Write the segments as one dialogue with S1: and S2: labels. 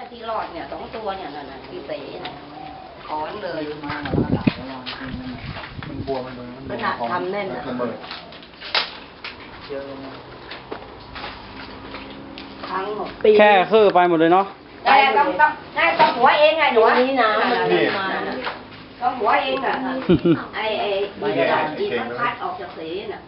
S1: ที่รอดเนี่ย2 ตัวเนี่ยนั่นที่เสนะถอนเลย
S2: มาแล้วด่าแล้วมันบวมมันทำแน่นระเบิดเยอะ
S1: ทั้งหมด
S3: แค่คือไปหมดเลยเนาะ
S1: ได้ต้องหัวเองไงหนูนี่นะมันมาต้องหัวเองอ่ะไอ้ที่มันคัดออกจากสีน่ะ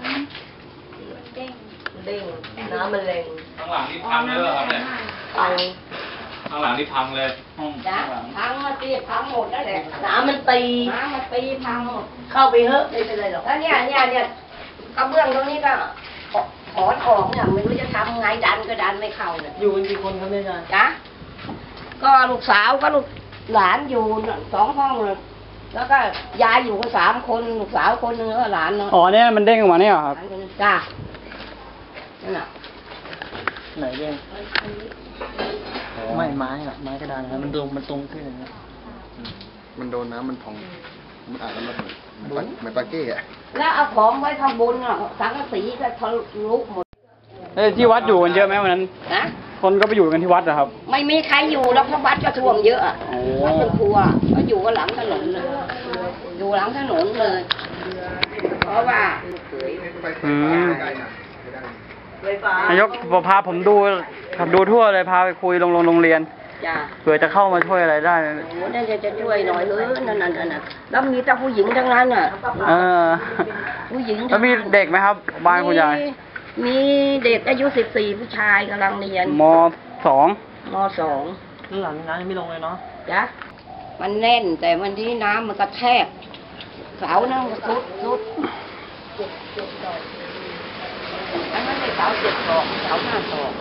S1: เด้งน้ำมันแรง
S4: ข้างหลังนี่พังเลยเหรอครับเนี่ยข้างหลังนี่พังเลยห้อง
S1: จ้ะพังมาตีพังหมดแล้วแหละ
S5: น้ำมันตี
S1: พังหมด
S5: เข้าไปเถอะไม่เป็นไรหรอก
S1: แล้วเนี่ยกระเบื้องตรงนี้ก็ถอนออกเนี่ยไม่รู้จะทำไงดันก็ดันไม่เข้าเนี่ย
S5: อยู่กันกี่คนครับแม่ยาย
S1: จ้ะก็ลูกสาวก็ลูกหลานอยู่2 ห้องเลยแล้วก็ยายอยู่กัน3 คนลูกสาวคนนึงแล้วหลานนึง
S3: อ๋อเนี่ยมันเด้งออกมาเนี่ยครับ
S1: จ้ะนั่นแหละ
S2: ไหนเด้งไม่ไม้อะไม้กระดานครับมันตรงขึ้นนะ
S6: มันโดนน้ำมันพองมันอาจจะระเบิดเหมือนปาเก้อะ
S1: แล้วเอาของไว้ข้างบนอ่ะสังกะสีก็ทะลุหมด
S3: ที่วัดอยู่กันเยอะไหมวันนั้น
S1: นะ
S3: คนก็ไปอยู่กันที่วัดเหรอครับ
S1: ไม่มีใครอยู่แล้วเพราะวัดก็ท่วมเยอะอ่ะวัดเป็นครัวก็อยู่กันหลังถนนเลยอยู่หลังถนนเลยเพราะว่
S3: านายกพาผมดูทั่วเลยพาไปคุยโรงเรียนเผื่อจะเข้ามาช่วยอะไรได้
S1: โอ้เนี่ยจะช่วยหน่อยนั่นแล้วมีแต่ผู้หญิงทั้งนั้นอ่ะผู้หญิง
S3: แล้วมีเด็กไหมครับบ้านคุณยาย
S1: มีเด็กอายุ14ผู้ชายกำลังเรียน
S3: ม.2
S5: หลังน้ำยังไม่ลงเลยเนาะ
S1: จ้ะมันแน่นแต่วันที่น้ำมันกระแทกเสานั่งสุดอันนั้นเป็นเสา7 ศอกเสา5 ศอก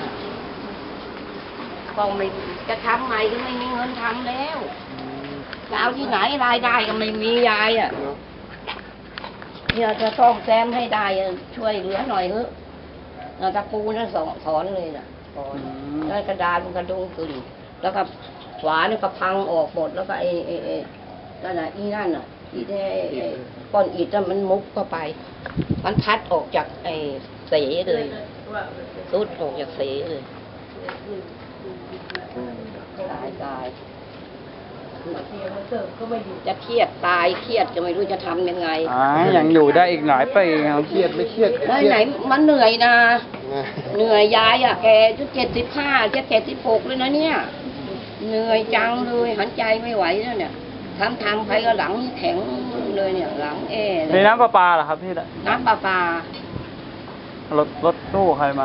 S1: ก็ไม่จะทำใหม่ก็ไม่มีเงินทำแล้วจะเอาที่ไหนรายได้ก็ไม่มียายอ่ะเนี่ยจะซ่อมแซมให้ได้ช่วยเหลือหน่อยเถอะตะปูนั่นถอนเลยน่ะแล้วกระดานมันกระดุงขึ้นแล้วก็ฝาเนี่ยก็พังออกหมดแล้วก็นั่นน่ะนั่นน่ะที่ได้ก้อนอิฐมันมุกเข้าไปมันพัดออกจากเสเลยรุดออกจากเสเลยตายจะเครียดตายเครียดจะไม่รู้จะทำยังไง
S3: ยังอยู่ได้อีกหลายปีครับ
S6: เครียดไม่เครียด
S1: ไหนมันเหนื่อยนะเหนื่อยยายอ่ะแกชุด75จะ76เลยนะเนี่ยเหนื่อยจังเลยหันใจไม่ไหวแล้วเนี่ยทำไปก็หลังแข็งเลยเนี่ยหลัง
S3: มีน้ำประปาเหรอครับพี่
S1: น้ำประปาร
S3: ถตู้ใครมา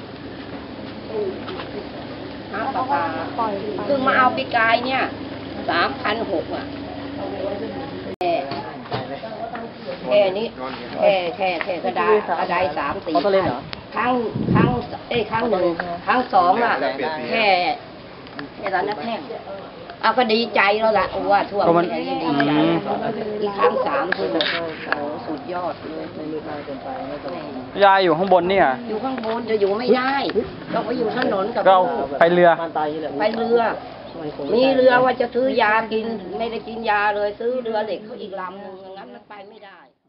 S1: น้ำประปาเพิ่งมาเอาปีกายเนี่ย3,600อ่ะแค่นี้แค่กระดาษ3-4ครั้ง1ครั้ง2อ่ะแค่ตอนนั้นแค่เอาก็ดีใจแล้วล่ะว่าทั่วประเทศดีใจอีกครั้ง3คือสุดยอดเลย
S3: ยายอยู่ข้างบนเนี่ย
S1: อยู่ข้างบนจะอยู่ไม่ได้ต้องไปอยู่ถนนกับ
S3: ก็ไปเรือ
S1: มีเรือว่าจะซื้อยากินไม่ได้กินยาเลยซื้อเรือเหล็กเขาอีกลำนึงงั้นมันไปไม่ได้